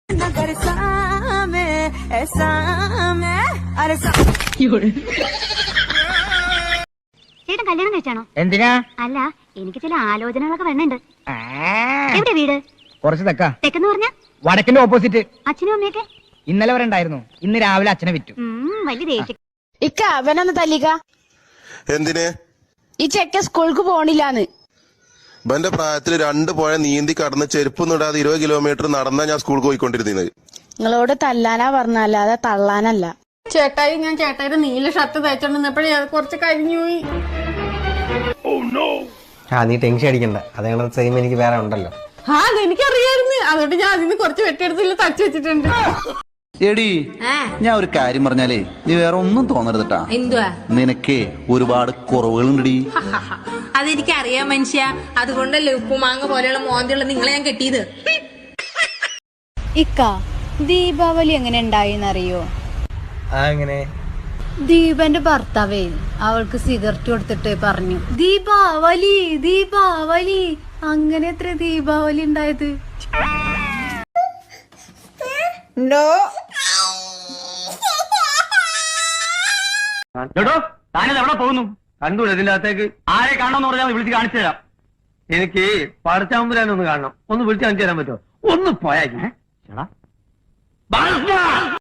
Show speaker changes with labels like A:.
A: ചേട്ടൻ കല്യാണം കഴിച്ചാണോ?
B: എന്തിനാ?
A: അല്ല, എനിക്ക് ചില ആലോചനകളൊക്കെ വരുന്നുണ്ട്. എവിടെ വീട്?
B: കുറച്ച്
A: തെക്കെന്ന് പറഞ്ഞ
B: വടക്കിന്റെ ഓപ്പോസിറ്റ്.
A: അച്ഛനും അമ്മയൊക്കെ
B: ഇന്നലെ വരെ ഉണ്ടായിരുന്നു. ഇന്ന് രാവിലെ അച്ഛനെ വിറ്റു.
A: വലിയ ദേഷ്യം.
C: ഇക്ക അവനൊന്ന് തല്ലിക.
D: എന്തിന്?
C: ഈ ചെക്ക സ്കൂൾക്ക് പോണില്ലാന്ന്.
D: ഇവന്റെ പ്രായത്തിൽ 2 പുഴ നീന്തി കടന്ന് ചെരുപ്പൊന്നും ഇടാതെ 20 കിലോമീറ്റർ നടന്നാ ഞാൻ സ്കൂൾക്ക് പോയിക്കൊണ്ടിരുന്നത്.
C: നിങ്ങളോട് തല്ലാനാ പറഞ്ഞല്ലാതെ തള്ളാനല്ല.
E: ചേട്ടായി, ഞാൻ ചേട്ടായിയുടെ നീല ഷർട്ട് തയ്ച്ചോണ്ടിരുന്നപ്പോഴേ അത് കുറച്ച് കരിഞ്ഞുപോയി.
F: നീ ടെൻഷൻ അടിക്കണ്ട, അതേ സെയിം എനിക്ക് വേറെ ഉണ്ടല്ലോ.
E: അതെനിക്കറിയായിരുന്നു, അതുകൊണ്ട് ഞാൻ അതിന് കുറച്ച് വെട്ടിയെടുത്തില്ല തച്ചു വെച്ചിട്ടുണ്ട്.
G: എടി, ഞാൻ ഒരു കാര്യം പറഞ്ഞാലേ നീ വേറെ ഒന്നും തോന്നരുതട്ടാ.
H: എന്തുവാ?
G: നിനക്ക് ഒരുപാട് കുറവുകളുണ്ടടി.
H: അതെനിക്ക് അറിയാം മനുഷ്യ, അതുകൊണ്ടല്ലേ ഉപ്പുമാങ്ങ പോലെയുള്ള മോന്തിയുള്ള നിങ്ങളെ ഞാൻ കെട്ടിയത്.
I: ഇക്ക, ദീപാവലി എങ്ങനെ ഉണ്ടായിന്നറിയോ?
F: എങ്ങനെ?
I: ദീപന്റെ ഭർത്താവേ അവൾക്ക് സിഗരറ്റ് കൊടുത്തിട്ട് പറഞ്ഞു, ദീപാവലി ദീപാവലി. അങ്ങനെ എത്ര ദീപാവലി ഉണ്ടായത്?
B: താനത് എവിടെ പോകുന്നു? കണ്ടൂല ഇതിന്റെ അകത്തേക്ക് ആരെ കാണണമെന്ന് പറഞ്ഞാൽ വിളിച്ച് കാണിച്ചു തരാം. എനിക്ക് പടച്ചാമ്പുരാനൊന്ന് കാണണം. ഒന്ന് വിളിച്ച് കാണിച്ചു തരാൻ പറ്റുമോ? ഒന്ന് പോയാ